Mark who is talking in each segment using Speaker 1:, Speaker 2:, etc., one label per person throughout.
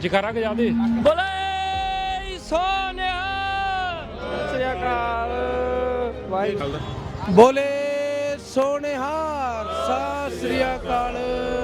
Speaker 1: ਜਕਾਰਾ ਗਜਾ ਦੇ। ਬੋਲੇ ਸੋਨਿਆ ਸ੍ਰੀ ਅਕਾਲ ਵਾਹਿਗੁਰੂ।
Speaker 2: ਬੋਲੇ ਸੋਨਿਹਾਰ ਸਤਿ ਸ੍ਰੀ ਅਕਾਲ।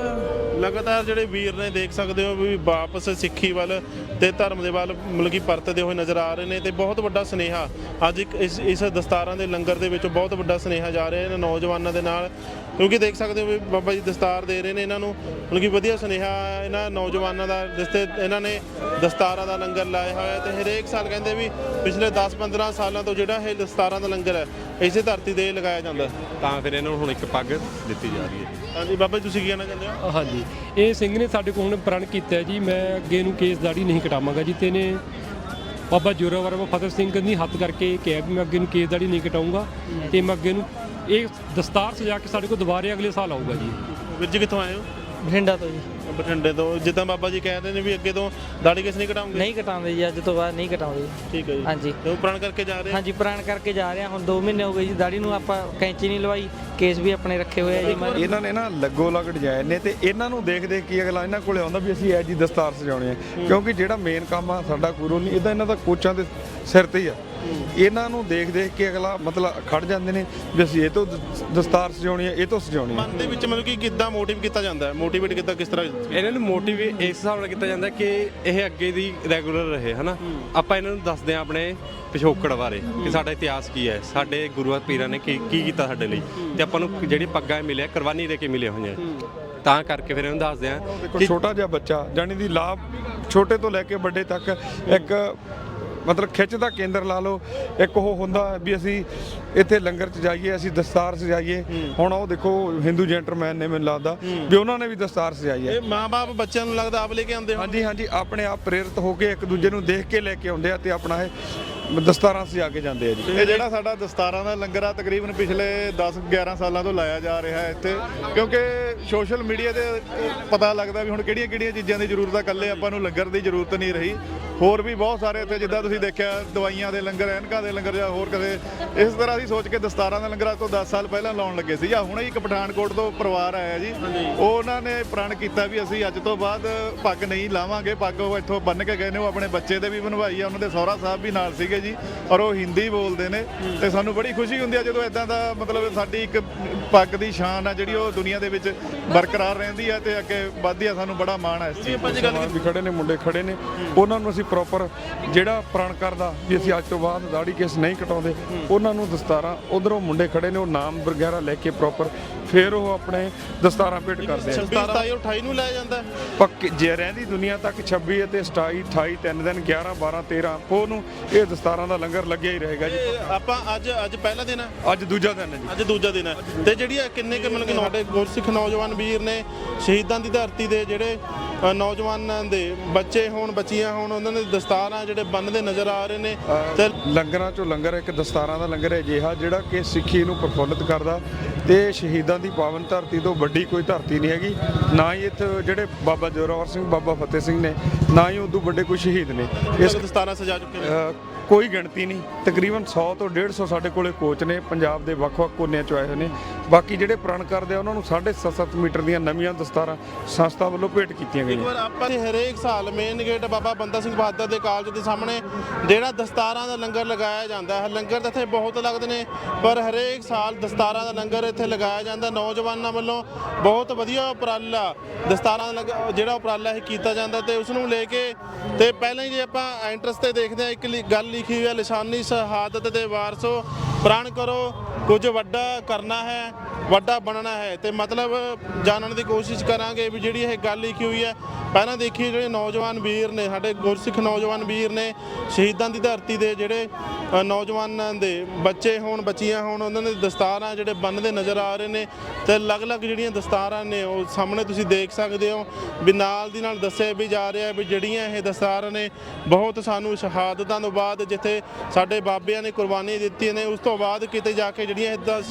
Speaker 3: ਲਗਾਤਾਰ ਜਿਹੜੇ ਵੀਰ ਨੇ ਦੇਖ ਸਕਦੇ ਹੋ ਵੀ ਵਾਪਸ ਸਿੱਖੀ ਵੱਲ ਤੇ ਧਰਮ ਦੇ ਵੱਲ ਮਤਲਬ ਕਿ ਪਰਤਦੇ ਹੋਏ ਨਜ਼ਰ ਆ ਰਹੇ ਨੇ ਤੇ ਬਹੁਤ ਵੱਡਾ ਸੁਨੇਹਾ ਅੱਜ ਇੱਕ ਇਸ ਦਸਤਾਰਾਂ ਦੇ ਲੰਗਰ ਦੇ ਵਿੱਚੋਂ ਬਹੁਤ ਵੱਡਾ ਸੁਨੇਹਾ ਜਾ ਰਿਹਾ ਇਹਨਾਂ ਨੌਜਵਾਨਾਂ ਦੇ ਨਾਲ, ਕਿਉਂਕਿ ਦੇਖ ਸਕਦੇ ਹੋ ਵੀ ਬਾਬਾ ਜੀ ਦਸਤਾਰ ਦੇ ਰਹੇ ਨੇ ਇਹਨਾਂ ਨੂੰ ਮਤਲਬ ਕਿ ਵਧੀਆ ਸੁਨੇਹਾ ਇਹਨਾਂ ਨੌਜਵਾਨਾਂ ਦਾ, ਜਿਸ ਤੇ ਇਹਨਾਂ ਨੇ ਦਸਤਾਰਾਂ ਦਾ ਲੰਗਰ ਲਾਇਆ ਹੋਇਆ ਤੇ ਹਰੇਕ ਸਾਲ ਕਹਿੰਦੇ ਵੀ ਪਿਛਲੇ 10-15 ਸਾਲਾਂ ਤੋਂ ਜਿਹੜਾ ਇਹ ਦਸਤਾਰਾਂ ਦਾ ਲੰਗਰ ਹੈ ਇਸੇ ਧਰਤੀ ਤੇ ਲਗਾਇਆ ਜਾਂਦਾ,
Speaker 4: ਤਾਂ ਫਿਰ ਇਹਨਾਂ ਨੂੰ ਹੁਣ ਇੱਕ ਪੱਗ ਦਿੱਤੀ ਜਾ ਰਹੀ ਹੈ।
Speaker 3: ਹਾਂਜੀ ਬਾਬਾ ਜੀ ਤੁਸੀਂ ਕੀ ਕਹਿਣਾ ਚਾਹੁੰਦੇ ਹੋ?
Speaker 1: ਹਾਂਜੀ, ਇਹ ਸਿੰਘ ਨੇ ਸਾਡੇ ਕੋਲ ਹੁਣ ਪ੍ਰਣ ਕੀਤਾ ਜੀ, ਮੈਂ ਅੱਗੇ ਨੂੰ ਕੇਸ ਦਾੜੀ ਨਹੀਂ ਕਟਾਵਾਂਗਾ ਜੀ। ਤੇ ਨੇ ਬਾਬਾ ਜੋਰਾਵਰ ਬਾਬਾ ਫਤਿਹ ਸਿੰਘ ਦੀ ਹੱਥ ਕਰਕੇ ਕਿਹਾ ਵੀ ਮੈਂ ਅੱਗੇ ਨੂੰ ਕੇਸ ਦਾੜੀ ਨਹੀਂ ਕਟਾਊਂਗਾ ਤੇ ਮੈਂ ਅੱਗੇ ਨੂੰ ਇਹ ਦਸਤਾਰ ਸਜਾ ਕੇ ਸਾਡੇ ਕੋਲ ਦੁਬਾਰੇ ਅਗਲੇ ਸਾਲ ਆਊਗਾ ਜੀ।
Speaker 3: ਵੀਰ ਜੀ ਕਿੱਥੋਂ ਆਏ ਹੋ?
Speaker 5: ਬਠਿੰਡਾ ਤੋਂ ਜੀ।
Speaker 3: ਬਠਿੰਡੇ ਤੋਂ। ਜਿੱਦਾਂ ਬਾਬਾ ਜੀ ਕਹਿ ਰਹੇ ਨੇ ਵੀ ਅੱਗੇ ਤੋਂ ਦਾੜੀ ਕਿਸ ਨਹੀਂ ਕਟਾਉਂਗੇ?
Speaker 5: ਨਹੀਂ ਕਟਾਉਂਦੇ ਜੀ, ਅੱਜ ਤੋਂ ਬਾਅਦ ਨਹੀਂ ਕਟਾਉਂਦੇ।
Speaker 3: ਠੀਕ ਹੈ ਜੀ।
Speaker 5: ਹਾਂਜੀ,
Speaker 3: ਤੇ ਉਹ ਪ੍ਰਣ ਕਰਕੇ ਜਾ ਰਹੇ?
Speaker 5: ਹਾਂਜੀ ਪ੍ਰਣ ਕਰਕੇ ਜਾ ਰਹੇ ਹਾਂ। ਹੁਣ 2 ਮਹੀਨੇ ਹੋ ਗਏ ਜੀ, ਦਾੜੀ ਨੂੰ ਆਪਾਂ ਕੈਂਚੀ ਨਹੀਂ ਲਵਾਈ, ਕੇਸ ਵੀ ਆਪਣੇ ਰੱਖੇ ਹੋਏ ਆ ਜੀ।
Speaker 2: ਇਹਨਾਂ ਨੇ ਨਾ ਲੱਗੋ ਲੱਗ ਡਿਜ਼ਾਈਨ ਨੇ ਤੇ ਇਹਨਾਂ ਨੂੰ ਦੇਖ ਦੇਖ ਕੇ ਅਗਲਾ ਇਹਨਾਂ ਕੋਲੇ ਆਉਂਦਾ ਵੀ ਅਸੀਂ ਇਹ ਜੀ ਦਸਤਾਰ ਸਜਾਉਣੀ ਹੈ, ਕਿਉਂਕਿ ਜਿਹੜਾ ਮੇਨ ਕੰਮ ਆ ਸਾਡਾ ਕੋਈ ਰੋਲ ਨਹੀਂ, ਇਹਦਾ ਇਹਨਾਂ ਦਾ ਕੋਚਾਂ ਦੇ ਸਿਰ ਤੇ ਹੀ ਆ। ਇਹਨਾਂ ਨੂੰ ਦੇਖ ਦੇਖ ਕੇ ਅਗਲਾ ਮਤਲਬ ਖੜ ਜਾਂਦੇ ਨੇ ਵੀ ਅਸੀਂ ਇਹ ਤੋਂ ਦਸਤਾਰ ਸਜਾਉਣੀ ਹੈ, ਇਹ ਤੋਂ ਸਜਾਉਣੀ ਹੈ।
Speaker 3: ਮਨ ਦੇ ਵਿੱਚ ਮਤਲਬ ਕਿ ਕਿੱਦਾਂ ਮੋਟਿਵ ਕੀਤਾ ਜਾਂਦਾ ਹੈ? ਮੋਟੀਵੇਟ ਕਿੱਦਾਂ, ਕਿਸ ਤਰ੍ਹਾਂ?
Speaker 4: ਇਹਨਾਂ ਨੂੰ ਮੋਟੀਵੇਟ ਇਸ ਹਿਸਾਬ ਨਾਲ ਕੀਤਾ ਜਾਂਦਾ ਕਿ ਇਹ ਅੱਗੇ ਦੀ ਰੈਗੂਲਰ ਰਹੇ ਹਨਾ। ਆਪਾਂ ਇਹਨਾਂ ਨੂੰ ਦੱਸਦੇ ਹਾਂ ਆਪਣੇ ਪਿਛੋਕੜ ਬਾਰੇ ਕਿ ਸਾਡਾ ਇਤਿਹਾਸ ਕੀ ਹੈ, ਸਾਡੇ ਗੁਰੂਆਂ ਪੀਰਾਂ ਨੇ ਕੀ ਕੀਤਾ ਸਾਡੇ ਲਈ, ਤੇ ਆਪਾਂ ਨੂੰ ਜਿਹੜੀ ਪੱਗਾਂ ਮਿਲਿਆ ਕੁਰਬਾਨੀ ਦੇ ਕੇ ਮਿਲੀਆਂ ਹੋਈਆਂ, ਤਾਂ ਕਰਕੇ ਫਿਰ ਇਹਨੂੰ ਦੱਸਦੇ ਹਾਂ।
Speaker 2: ਦੇਖੋ ਛੋਟਾ ਜਿਹਾ ਬੱਚਾ ਜਾਣੀ ਦੀ ਲਾਭ ਛੋਟੇ ਤੋਂ ਲੈ ਕੇ ਵੱਡੇ ਤੱਕ ਇੱਕ ਮਤਲਬ ਖਿੱਚ ਦਾ ਕੇਂਦਰ ਲਾ ਲਓ। ਇੱਕ ਉਹ ਹੁੰਦਾ ਵੀ ਅਸੀਂ ਇੱਥੇ ਲੰਗਰ 'ਚ ਜਾਈਏ, ਅਸੀਂ ਦਸਤਾਰ ਸਜਾਈਏ। ਹੁਣ ਉਹ ਦੇਖੋ ਹਿੰਦੂ ਜੈਂਟਲਮੈਨ ਨੇ ਮੈਨੂੰ ਲੱਗਦਾ ਵੀ ਉਹਨਾਂ ਨੇ ਵੀ ਦਸਤਾਰ ਸਜਾਈ ਹੈ।
Speaker 3: ਇਹ ਮਾਂ-ਬਾਪ ਬੱਚਿਆਂ ਨੂੰ ਲੱਗਦਾ ਆਪ ਲੈ ਕੇ ਆਉਂਦੇ ਹੋ?
Speaker 2: ਹਾਂਜੀ ਹਾਂਜੀ, ਆਪਣੇ ਆਪ ਪ੍ਰੇਰਿਤ ਹੋ ਕੇ ਇੱਕ ਦੂਜੇ ਨੂੰ ਦੇਖ ਕੇ ਲੈ ਕੇ ਆਉਂਦੇ ਆ ਤੇ ਆਪਣਾ ਇਹ ਦਸਤਾਰਾਂ ਸਜਾ ਕੇ ਜਾਂਦੇ ਆ ਜੀ।
Speaker 6: ਇਹ ਜਿਹੜਾ ਸਾਡਾ ਦਸਤਾਰਾਂ ਦਾ ਲੰਗਰ ਆ ਤਕਰੀਬਨ ਪਿਛਲੇ 10-11 ਸਾਲਾਂ ਤੋਂ ਲਾਇਆ ਜਾ ਰਿਹਾ ਹੈ ਇੱਥੇ, ਕਿਉਂਕਿ ਸੋਸ਼ਲ ਮੀਡੀਆ ਤੇ ਪਤਾ ਲੱਗਦਾ ਵੀ ਹੁਣ ਕਿਹੜੀਆਂ-ਕਿਹੜੀਆਂ ਚੀਜ਼ਾਂ ਦੀ ਜ਼ਰੂਰਤ ਆ, ਇਕੱਲੇ ਆਪਾਂ ਨੂੰ ਲੰਗਰ ਦੀ ਜ਼ਰੂਰਤ ਨਹੀਂ ਰਹੀ। ਹੋਰ ਵੀ ਬਹੁਤ ਸਾਰੇ ਇੱਥੇ ਜਿੱਦਾਂ ਤੁਸੀਂ ਦੇਖਿਆ ਦਵਾਈਆਂ ਦੇ ਲੰਗਰ, ਐਨਕਾਂ ਦੇ ਲੰਗਰ ਜਾਂ ਹੋਰ ਕਦੇ ਇਸ ਤਰ੍ਹਾਂ ਅਸੀਂ ਸੋਚ ਕੇ ਦਸਤਾਰਾਂ ਦਾ ਲੰਗਰ ਅੱਜ ਤੋਂ 10 ਸਾਲ ਪਹਿਲਾਂ ਲਾਉਣ ਲੱਗੇ ਸੀ। ਜਾਂ ਹੁਣੇ ਇੱਕ ਪਠਾਨਕੋਟ ਤੋਂ ਪਰਿਵਾਰ ਆਇਆ ਜੀ, ਉਹਨਾਂ ਨੇ ਪ੍ਰਣ ਕੀਤਾ ਵੀ ਅਸੀਂ ਅੱਜ ਤੋਂ ਬਾਅਦ ਪੱਗ ਨਹੀਂ ਲਾਵਾਂਗੇ। ਪੱਗ ਉਹ ਇੱਥੋਂ ਬੰਨ੍ਹ ਕੇ ਗਏ ਨੇ, ਉਹ ਆਪਣੇ ਬੱਚੇ ਦੇ ਵੀ ਬਣਵਾਈ ਆ, ਉਹਨਾਂ ਦੇ ਸਹੁਰਾ ਸਾਹਿਬ ਵੀ ਨਾਲ ਸੀਗੇ ਜੀ, ਔਰ ਉਹ ਹਿੰਦੀ ਬੋਲਦੇ ਨੇ। ਤੇ ਸਾਨੂੰ ਬੜੀ ਖੁਸ਼ੀ ਹੁੰਦੀ ਆ ਜਦੋਂ ਇਦਾਂ ਦਾ ਮਤਲਬ ਸਾਡੀ ਇੱਕ ਪੱਗ ਦੀ ਸ਼ਾਨ ਆ ਜਿਹੜੀ ਉਹ ਦੁਨੀਆ ਦੇ ਵਿੱਚ ਬਰਕਰਾਰ ਰਹਿੰਦੀ ਆ ਤੇ ਅੱਗੇ ਵੱਧਦੀ ਆ। ਸਾਨੂੰ ਬੜਾ ਮਾਣ ਹੈ ਇਸ ਚੀਜ਼
Speaker 2: ਮੁਸਲਮਾਨ ਵੀ ਖੜੇ ਨੇ, ਮੁੰਡੇ ਖੜੇ ਨੇ, ਉਹਨਾਂ ਨੂੰ ਅਸੀਂ ਪ੍ਰੋਪਰ ਜਿਹੜਾ ਪ੍ਰਣ ਕਰਦਾ ਵੀ ਅਸੀਂ ਅੱਜ ਤੋਂ ਬਾਅਦ ਦਾੜੀ ਕੇਸ ਨਹੀਂ ਕਟਾਉਂਦੇ, ਉਹਨਾਂ ਨੂੰ ਦਸਤਾਰਾਂ, ਉਧਰੋਂ ਮੁੰਡੇ ਖੜੇ ਨੇ ਉਹ ਨਾਮ ਵਗੈਰਾ ਲੈ ਕੇ ਪ੍ਰੋਪਰ ਫਿਰ ਉਹ ਆਪਣੇ ਦਸਤਾਰਾਂ ਭੇਟ ਕਰਦੇ ਆ।
Speaker 3: 26, 27, 28 ਨੂੰ ਲਾਇਆ ਜਾਂਦਾ
Speaker 2: ਪੱਕੇ ਜੇ ਰਹਿੰਦੀ ਦੁਨੀਆ ਤੱਕ 26 ਅਤੇ 27, 28 3 ਦਿਨ 11 12 13 ਉਹ ਨੂੰ ਇਹ ਦਸਤਾਰਾਂ ਦਾ ਲੰਗਰ ਲੱਗਿਆ ਹੀ ਰਹੇਗਾ ਜੀ।
Speaker 3: ਆਪਾਂ ਅੱਜ ਪਹਿਲਾ ਦਿਨ ਹੈ?
Speaker 2: ਅੱਜ ਦੂਜਾ ਦਿਨ ਹੈ ਜੀ।
Speaker 3: ਅੱਜ ਦੂਜਾ ਦਿਨ ਹੈ। ਤੇ ਜਿਹੜੀ ਕਿੰਨੇ ਕਿ ਮਤਲਬ ਕਿ ਸਾਡੇ ਗੁਰਸਿੱਖ ਨੌਜਵਾਨ ਵੀਰ ਨੇ ਸ਼ਹੀਦਾਂ ਦੀ ਧਰਤੀ ਦੇ ਜਿਹੜੇ ਨੌਜਵਾਨਾਂ ਦੇ ਬੱਚੇ ਹੋਣ ਬੱਚੀਆਂ ਹੋਣ, ਉਹਨਾਂ ਦੇ ਦਸਤਾਰਾਂ ਜਿਹੜੇ ਬੰਨ੍ਹਦੇ ਨਜ਼ਰ ਆ ਰਹੇ ਨੇ। ਤੇ
Speaker 2: ਲੰਗਰਾਂ ਚੋਂ ਲੰਗਰ ਇੱਕ ਦਸਤਾਰਾਂ ਦਾ ਲੰਗਰ ਹੈ ਅਜਿਹਾ ਜਿਹੜਾ ਕਿ ਸਿੱਖੀ ਨੂੰ ਪ੍ਰਫੁੱਲਿਤ ਕਰਦਾ ਤੇ ਸ਼ਹੀਦਾਂ ਦੀ ਪਾਵਨ ਧਰਤੀ ਤੋਂ ਵੱਡੀ ਕੋਈ ਧਰਤੀ ਨਹੀਂ ਹੈਗੀ। ਨਾ ਹੀ ਇੱਥੇ ਜਿਹੜੇ ਬਾਬਾ ਜੋਰਾਵਰ ਸਿੰਘ, ਬਾਬਾ ਫਤਿਹ ਸਿੰਘ ਨੇ, ਨਾ ਹੀ ਉਦੋਂ ਵੱਡੇ ਕੋਈ ਸ਼ਹੀਦ ਨੇ। ਇਸ
Speaker 3: ਦਸਤਾਰਾਂ ਸਜਾ ਚੁੱਕੇ ਨੇ,
Speaker 2: ਕੋਈ ਗਿਣਤੀ ਨਹੀਂ, ਤਕਰੀਬਨ 100 ਤੋਂ 150 ਸਾਡੇ ਕੋਲੇ ਕੋਚ ਨੇ, ਪੰਜਾਬ ਦੇ ਵੱਖ-ਵੱਖ ਕੋਨਿਆਂ ਚੋਂ ਆਏ ਹੋਏ ਨੇ। ਬਾਕੀ ਜਿਹੜੇ ਪ੍ਰਣ ਕਰਦੇ ਆ ਉਹਨਾਂ ਨੂੰ 7.5 ਮੀਟਰ ਦੀਆਂ ਨਵੀਆਂ ਦਸਤਾਰਾਂ ਸੰਸਥਾ ਵੱਲੋਂ ਭੇਟ ਕੀਤੀਆਂ
Speaker 3: ਇੱਕ
Speaker 2: ਗਈਆਂ।
Speaker 3: ਵਾਰ ਆਪਾਂ ਹਰੇਕ ਸਾਲ ਮੇਨ ਗੇਟ ਬਾਬਾ ਬੰਦਾ ਸਿੰਘ ਬਹਾਦਰ ਦੇ ਕਾਲਜ ਦੇ ਸਾਹਮਣੇ ਜਿਹੜਾ ਦਸਤਾਰਾਂ ਦਾ ਲੰਗਰ ਲਗਾਇਆ ਜਾਂਦਾ ਹੈ। ਲੰਗਰ ਤਾਂ ਇੱਥੇ ਬਹੁਤ ਲੱਗਦੇ ਨੇ, ਪਰ ਹਰੇਕ ਸਾਲ ਦਸਤਾਰਾਂ ਦਾ ਲੰਗਰ ਇੱਥੇ ਲਗਾਇਆ ਜਾਂਦਾ। ਨੌਜਵਾਨਾਂ ਵੱਲੋਂ ਬਹੁਤ ਵਧੀਆ ਉਪਰਾਲਾ ਦਸਤਾਰਾਂ ਦਾ ਜਿਹੜਾ ਉਪਰਾਲਾ ਇਹ ਕੀਤਾ ਜਾਂਦਾ ਤੇ ਉਸ ਨੂੰ ਲੈ ਕੇ ਤੇ ਪਹਿਲਾਂ ਹੀ ਜੇ ਆਪਾਂ ਐਂਟਰਸ ਤੇ ਦੇਖਦੇ ਹਾਂ ਇੱਕ ਗੱਲ ਲਿਖੀ ਹੋਈ ਹੈ, ਲਿਸਾਨੀ ਸ਼ਹਾਦਤ ਦੇ ਵਾਰਸੋ ਪ੍ਰਣ ਕਰੋ, ਕੁਝ ਵੱਡਾ ਕਰਨਾ ਹੈ, ਵੱਡਾ ਬਣਨਾ ਹੈ। ਤੇ ਮਤਲਬ ਜਾਣਨ ਦੀ ਕੋਸ਼ਿਸ਼ ਕਰਾਂਗੇ ਵੀ ਜਿਹੜੀ ਇਹ ਗੱਲ ਲਿਖੀ ਹੋਈ ਹੈ। ਪਹਿਲਾਂ ਦੇਖੀਏ ਜਿਹੜੇ ਨੌਜਵਾਨ ਵੀਰ ਨੇ, ਸਾਡੇ ਗੁਰਸਿੱਖ ਨੌਜਵਾਨ ਵੀਰ ਨੇ, ਸ਼ਹੀਦਾਂ ਦੀ ਧਰਤੀ ਦੇ ਜਿਹੜੇ ਨੌਜਵਾਨਾਂ ਦੇ ਬੱਚੇ ਹੋਣ ਬੱਚੀਆਂ ਹੋਣ, ਉਹਨਾਂ ਦੇ ਦਸਤਾਰਾਂ ਜਿਹੜੇ ਬੰਨ੍ਹਦੇ ਨਜ਼ਰ ਆ ਰਹੇ ਨੇ। ਤੇ ਅਲੱਗ-ਅਲੱਗ ਜਿਹੜੀਆਂ ਦਸਤਾਰਾਂ ਨੇ ਉਹ ਸਾਹਮਣੇ ਤੁਸੀਂ ਦੇਖ ਸਕਦੇ ਹੋ ਵੀ ਨਾਲ ਦੀ ਨਾਲ ਦੱਸਿਆ ਵੀ ਜਾ ਰਿਹਾ ਵੀ ਜਿਹੜੀਆਂ ਇਹ ਦਸਤਾਰਾਂ ਨੇ ਬਹੁਤ ਸਾਨੂੰ ਸ਼ਹਾਦਤਾਂ ਤੋਂ ਬਾਅਦ ਜਿੱਥੇ ਸਾਡੇ ਬਾਬਿਆਂ ਨੇ ਕੁਰਬਾਨੀ ਦਿੱਤੀ ਨੇ, ਉਸ ਤੋਂ ਬਾਅਦ ਕਿਤੇ ਜਾ ਕੇ ਜਿਹੜੀਆਂ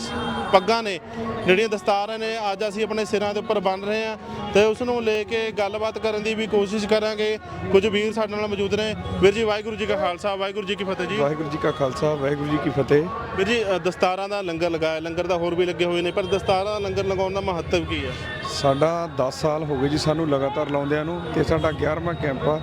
Speaker 3: ਪੱਗਾਂ ਨੇ ਜਿਹੜੀਆਂ ਦਸਤਾਰਾਂ ਨੇ ਅੱਜ ਅਸੀਂ ਆਪਣੇ ਸਿਰਾਂ ਦੇ ਉੱਪਰ ਬੰਨ੍ਹ ਰਹੇ ਹਾਂ ਤੇ ਉਸ ਨੂੰ ਲੈ ਕੇ ਗੱਲਬਾਤ ਕਰਨ ਦੀ ਵੀ ਕੋਸ਼ਿਸ਼ ਕਰਾਂਗੇ। ਕੁਝ ਵੀਰ ਸਾਡੇ ਨਾਲ ਮੌਜੂਦ ਨੇ। ਵੀਰ ਜੀ ਵਾਹਿਗੁਰੂ ਜੀ ਕਾ ਖਾਲਸਾ ਵਾਹਿਗੁਰੂ ਜੀ ਕੀ ਫਤਿਹ ਜੀ।
Speaker 2: ਵਾਹਿਗੁਰੂ ਜੀ ਕਾ ਖਾਲਸਾ ਵਾਹਿਗੁਰੂ ਜੀ ਕੀ ਫਤਿਹ।
Speaker 3: ਵੀਰ ਜੀ ਦਸਤਾਰਾਂ ਦਾ ਲੰਗਰ ਲਗਾਇਆ, ਲੰਗਰ ਤਾਂ ਹੋਰ ਵੀ ਲੱਗੇ ਹੋਏ ਨੇ, ਪਰ ਦਸਤਾਰਾਂ ਦਾ ਲੰਗਰ ਲਗਾਉਣ ਦਾ ਮਹੱਤਵ ਕੀ ਹੈ?
Speaker 2: ਸਾਡਾ 10 ਸਾਲ ਹੋ ਗਏ ਜੀ ਸਾਨੂੰ ਲਗਾਤਾਰ ਲਾਉਂਦਿਆਂ ਨੂੰ ਤੇ ਸਾਡਾ 11ਵਾਂ ਕੈਂਪ ਆ।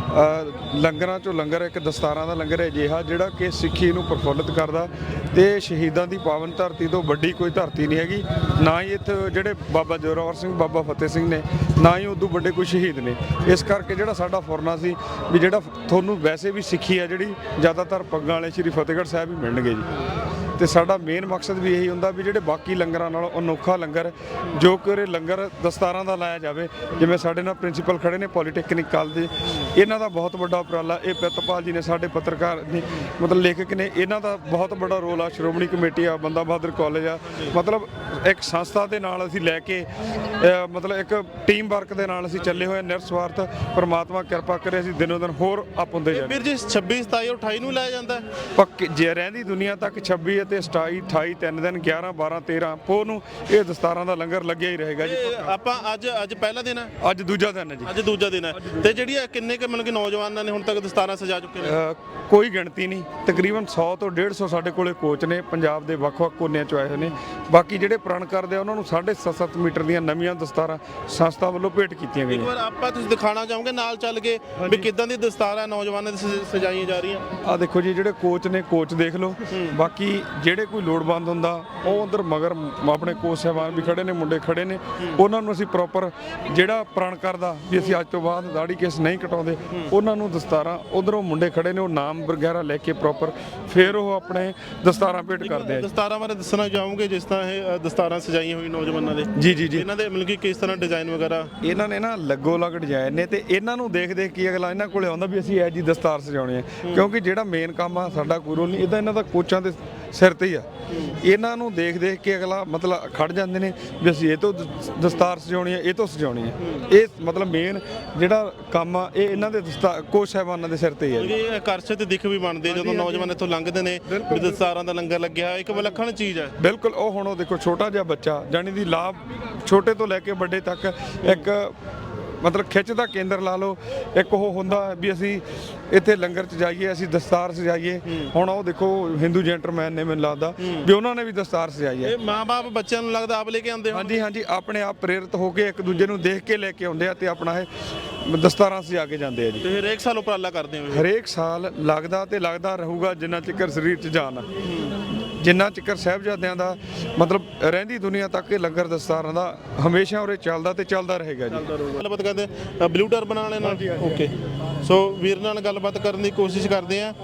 Speaker 2: ਲੰਗਰਾਂ ਚੋਂ ਲੰਗਰ ਇੱਕ ਦਸਤਾਰਾਂ ਦਾ ਲੰਗਰ ਹੈ ਅਜਿਹਾ ਜਿਹੜਾ ਕਿ ਸਿੱਖੀ ਨੂੰ ਪ੍ਰਫੁੱਲਿਤ ਕਰਦਾ ਤੇ ਸ਼ਹੀਦਾਂ ਦੀ ਪਾਵਨ ਧਰਤੀ ਤੋਂ ਵੱਡੀ ਕੋਈ ਧਰਤੀ ਨਹੀਂ ਹੈਗੀ। ਨਾ ਹੀ ਇੱਥੇ ਜਿਹੜੇ ਬਾਬਾ ਜ਼ੋਰਾਵਰ ਸਿੰਘ ਬਾਬਾ ਫਤਿਹ ਸਿੰਘ ਨੇ, ਨਾ ਹੀ ਉਦੋਂ ਵੱਡੇ ਕੋਈ ਸ਼ਹੀਦ ਨੇ। ਇਸ ਕਰਕੇ ਜਿਹੜਾ ਸਾਡਾ ਫੁਰਨਾ ਸੀ ਵੀ ਜਿਹੜਾ ਤੁਹਾਨੂੰ ਵੈਸੇ ਵੀ ਸਿੱਖੀ ਆ ਜਿਹੜੀ ਜ਼ਿਆਦਾਤਰ ਪੱਗਾਂ ਵਾਲੇ ਸ਼੍ਰੀ ਫਤਿਹਗੜ੍ਹ ਸਾਹਿਬ ਹੀ ਮਿਲਣਗੇ ਜੀ। ਤੇ ਸਾਡਾ ਮੇਨ ਮਕਸਦ ਵੀ ਇਹੀ ਹੁੰਦਾ ਵੀ ਜਿਹੜੇ ਬਾਕੀ ਲੰਗਰਾਂ ਨਾਲੋਂ ਅਨੋਖਾ ਲੰਗਰ ਜੋ ਕਿ ਉਰੇ ਲੰਗਰ ਦਸਤਾਰਾਂ ਦਾ ਲਾਇਆ ਜਾਵੇ। ਜਿਵੇਂ ਸਾਡੇ ਨਾਲ ਪ੍ਰਿੰਸੀਪਲ ਖੜੇ ਨੇ ਪੋਲੀਟੈਕਨਿਕ ਕਾਲਜ ਦੇ, ਇਹਨਾਂ ਦਾ ਬਹੁਤ ਵੱਡਾ ਉਪਰਾਲਾ। ਇਹ ਪ੍ਰਿਤਪਾਲ ਜੀ ਨੇ ਸਾਡੇ ਪੱਤਰਕਾਰ ਨੇ ਮਤਲਬ ਲੇਖਕ ਨੇ, ਇਹਨਾਂ ਦਾ ਬਹੁਤ ਵੱਡਾ ਰੋਲ ਆ। ਸ਼੍ਰੋਮਣੀ ਕਮੇਟੀ ਆ, ਬੰਦਾ ਬਹਾਦਰ ਕਾਲਜ ਆ, ਮਤਲਬ ਇੱਕ ਸੰਸਥਾ ਦੇ ਨਾਲ ਅਸੀਂ ਲੈ ਕੇ ਮਤਲਬ ਇੱਕ ਟੀਮ ਵਰਕ ਦੇ ਨਾਲ ਅਸੀਂ ਚੱਲੇ ਹੋਏ ਨਿਰਸਵਾਰਥ। ਪਰਮਾਤਮਾ ਕਿਰਪਾ ਕਰੇ ਅਸੀਂ ਦਿਨੋਂ ਦਿਨ ਹੋਰ ਅਪ ਹੁੰਦੇ ਜਾਈਏ।
Speaker 3: ਵੀਰ ਜੀ 26 27 ਔਰ 28 ਨੂੰ ਲਾਇਆ ਜਾਂਦਾ ਹੈ
Speaker 2: ਪੱਕੇ ਜੇ ਰਹਿੰਦੀ ਦੁਨੀਆ ਤੱਕ 26 ਅਤੇ 27 28 3 ਦਿਨ 11 12 13 ਪੋਹ ਨੂੰ ਇਹ ਦਸਤਾਰਾਂ ਦਾ ਲੰਗਰ ਲੱਗਿਆ ਹੀ ਰਹੇਗਾ ਜੀ।
Speaker 3: ਆਪਾਂ ਅੱਜ ਪਹਿਲਾ ਦਿਨ ਹੈ,
Speaker 2: ਅੱਜ ਦੂਜਾ ਦਿਨ ਹੈ ਜੀ।
Speaker 3: ਅੱਜ ਦੂਜਾ ਦਿਨ ਹੈ ਤੇ ਜਿਹੜੀਆਂ ਕਿੰਨੇ ਕੁ ਮਤਲਬ ਕਿ ਨੌਜਵਾਨਾਂ ਨੇ ਹੁਣ ਤੱਕ ਦਸਤਾਰਾਂ ਸਜਾ ਚੁੱਕੇ ਨੇ?
Speaker 2: ਕੋਈ ਗਿਣਤੀ ਨਹੀਂ, ਤਕਰੀਬਨ 100 ਤੋਂ 150 ਸਾਡੇ ਕੋਲੇ ਕੋਚ ਨੇ ਪੰਜਾਬ ਦੇ ਵੱਖ-ਵੱਖ ਕੋਨਿਆਂ ਚੋਂ ਆਏ ਹੋਏ ਨੇ। ਬਾਕੀ ਜਿਹੜੇ ਪ੍ਰਣ ਕਰਦੇ ਆ ਉਹਨਾਂ ਨੂੰ 7.5 ਮੀਟਰ ਦੀਆਂ ਨਵੀਆਂ ਦਸਤਾਰਾਂ ਸੰਸਥਾ ਵੱਲੋਂ ਭੇਟ ਕੀਤੀਆਂ
Speaker 3: ਇੱਕ
Speaker 2: ਗਈਆਂ।
Speaker 3: ਵਾਰ ਆਪਾਂ ਤੁਸੀਂ ਦਿਖਾਣਾ ਚਾਹੋਗੇ ਨਾਲ ਚੱਲ ਕੇ ਵੀ ਕਿੱਦਾਂ ਦੀ ਦਸਤਾਰਾਂ ਨੌਜਵਾਨਾਂ ਦੀ ਸਜਾਈਆਂ ਜਾ ਰਹੀਆਂ?
Speaker 2: ਆ ਦੇਖੋ ਜੀ ਜਿਹੜੇ ਕੋਚ ਨੇ, ਕੋਚ ਦੇਖ ਲਓ। ਬਾਕੀ ਜਿਹੜੇ ਕੋਈ ਲੋੜਵੰਦ ਹੁੰਦਾ ਉਹ ਉਧਰ ਮਗਰ ਆਪਣੇ ਕੋਚ ਸਾਹਿਬਾਨ ਵੀ ਖੜੇ ਨੇ, ਮੁੰਡੇ ਖੜੇ ਨੇ। ਉਹਨਾਂ ਨੂੰ ਅਸੀਂ ਪ੍ਰੋਪਰ ਜਿਹੜਾ ਪ੍ਰਣ ਕਰਦਾ ਵੀ ਅਸੀਂ ਅੱਜ ਤੋਂ ਬਾਅਦ ਦਾੜੀ ਕੇਸ ਨਹੀਂ ਕਟਾਉਂਦੇ, ਉਹਨਾਂ ਨੂੰ ਦਸਤਾਰਾਂ ਉਧਰੋਂ ਮੁੰਡੇ ਖੜੇ ਨੇ ਉਹ ਨਾਮ ਵਗੈਰਾ ਲੈ ਕੇ ਪ੍ਰੋਪਰ ਫਿਰ ਉਹ ਆਪਣੇ ਦਸਤਾਰਾਂ ਭੇਟ ਕਰਦੇ ਆ।
Speaker 3: ਦਸਤਾਰਾਂ ਬਾਰੇ ਦੱਸਣਾ ਚਾਹੋਗੇ ਜਿਸ ਤਰ੍ਹਾਂ ਇਹ ਦਸਤਾਰਾਂ ਸਜਾਈਆਂ ਹੋਈ ਨੌਜਵਾਨਾਂ ਦੇ?
Speaker 2: ਜੀ ਜੀ ਜੀ।
Speaker 3: ਇਹਨਾਂ ਦੇ ਮਤਲਬ ਕਿ ਕਿਸ ਤਰ੍ਹਾਂ ਡਿਜ਼ਾਈਨ ਵਗੈਰਾ?
Speaker 2: ਇਹਨਾਂ ਨੇ ਨਾ ਲੱਗੋ ਲੱਗ ਡਿਜ਼ਾਈਨ ਨੇ ਤੇ ਇਹਨਾਂ ਨੂੰ ਦੇਖ ਦੇਖ ਕੇ ਅਗਲਾ ਇਹਨਾਂ ਕੋਲੇ ਆਉਂਦਾ ਵੀ ਅਸੀਂ ਇਹ ਜੀ ਦਸਤਾਰ ਸਜਾਉਣੀ ਹੈ। ਕਿਉਂਕਿ ਜਿਹੜਾ ਮੇਨ ਕੰਮ ਆ ਸਾਡਾ ਕੋਈ ਰੋਲ ਨਹੀਂ, ਇਹਦਾ ਇਹਨਾਂ ਦਾ ਕੋਚਾਂ ਦੇ ਸਿਰ ਤੇ ਹੀ ਆ। ਇਹਨਾਂ ਨੂੰ ਦੇਖ ਦੇਖ ਕੇ ਅਗਲਾ ਮਤਲਬ ਖੜ ਜਾਂਦੇ ਨੇ ਵੀ ਅਸੀਂ ਇਹ ਤੋਂ ਦਸਤਾਰ ਸਜਾਉਣੀ ਹੈ, ਇਹ ਤੋਂ ਸਜਾਉਣੀ ਹੈ। ਇਹ ਮਤਲਬ ਮੇਨ ਜਿਹੜਾ ਕੰਮ ਆ ਇਹ ਇਹਨਾਂ ਦੇ ਕੋਚ ਸਾਹਿਬਾਨਾਂ ਦੇ ਸਿਰ ਤੇ ਹੀ ਹੈ ਜੀ।
Speaker 3: ਇਹ ਆਕਰਸ਼ਿਤ ਦਿੱਖ ਵੀ ਬਣਦੀ ਹੈ ਜਦੋਂ ਨੌਜਵਾਨ ਇੱਥੋਂ ਲੰਘਦੇ ਨੇ ਵੀ ਦਸਤਾਰਾਂ ਦਾ ਲੰਗਰ ਲੱਗਿਆ, ਇੱਕ ਵਿਲੱਖਣ ਚੀਜ਼ ਹੈ।
Speaker 2: ਬਿਲਕੁਲ। ਉਹ ਹੁਣ ਉਹ ਦੇਖੋ ਛੋਟਾ ਜਿਹਾ ਬੱਚਾ ਜਾਣੀ ਦੀ ਲਾਭ ਛੋਟੇ ਤੋਂ ਲੈ ਕੇ ਵੱਡੇ ਤੱਕ ਇੱਕ ਮਤਲਬ ਖਿੱਚ ਦਾ ਕੇਂਦਰ ਲਾ ਲਓ। ਇੱਕ ਉਹ ਹੁੰਦਾ ਵੀ ਅਸੀਂ ਇੱਥੇ ਲੰਗਰ 'ਚ ਜਾਈਏ, ਅਸੀਂ ਦਸਤਾਰ ਸਜਾਈਏ। ਹੁਣ ਉਹ ਦੇਖੋ ਹਿੰਦੂ ਜੈਂਟਲਮੈਨ ਨੇ ਮੈਨੂੰ ਲੱਗਦਾ ਵੀ ਉਹਨਾਂ ਨੇ ਵੀ ਦਸਤਾਰ ਸਜਾਈ ਹੈ।
Speaker 3: ਇਹ ਮਾਂ-ਬਾਪ ਬੱਚਿਆਂ ਨੂੰ ਲੱਗਦਾ ਆਪ ਲੈ ਕੇ ਆਉਂਦੇ ਹੋ?
Speaker 2: ਹਾਂਜੀ ਹਾਂਜੀ, ਆਪਣੇ ਆਪ ਪ੍ਰੇਰਿਤ ਹੋ ਕੇ ਇੱਕ ਦੂਜੇ ਨੂੰ ਦੇਖ ਕੇ ਲੈ ਕੇ ਆਉਂਦੇ ਆ ਤੇ ਆਪਣਾ ਇਹ ਦਸਤਾਰਾਂ ਸਜਾ ਕੇ ਜਾਂਦੇ ਆ ਜੀ।
Speaker 3: ਤੇ ਹਰੇਕ ਸਾਲ ਉਪਰਾਲਾ ਕਰਦੇ ਹੋ?
Speaker 2: ਹਰੇਕ ਸਾਲ ਲੱਗਦਾ ਤੇ ਲੱਗਦਾ ਰਹੂਗਾ ਜਿੰਨਾ ਚਿਰ ਸਰੀਰ 'ਚ ਜਾਨ ਆ, ਜਿੰਨਾ ਚਿਰ ਸਾਹਿਬਜ਼ਾਦਿਆਂ ਦਾ ਮਤਲਬ ਰਹਿੰਦੀ ਦੁਨੀਆ ਤੱਕ ਇਹ ਲੰਗਰ ਦਸਤਾਰਾਂ ਦਾ ਹਮੇਸ਼ਾ ਉਰੇ ਚੱਲਦਾ ਤੇ ਚੱਲਦਾ ਰਹੇਗਾ ਜੀ।
Speaker 3: ਗੱਲਬਾਤ ਕਰਦੇ ਬਲੂ ਟਰਬਨ ਵਾਲੇ ਨਾਲ। ਓਕੇ, ਸੋ ਵੀਰ ਨਾਲ ਗੱਲਬਾਤ ਕਰਨ ਦੀ ਕੋਸ਼ਿਸ਼ ਕਰਦੇ ਆ।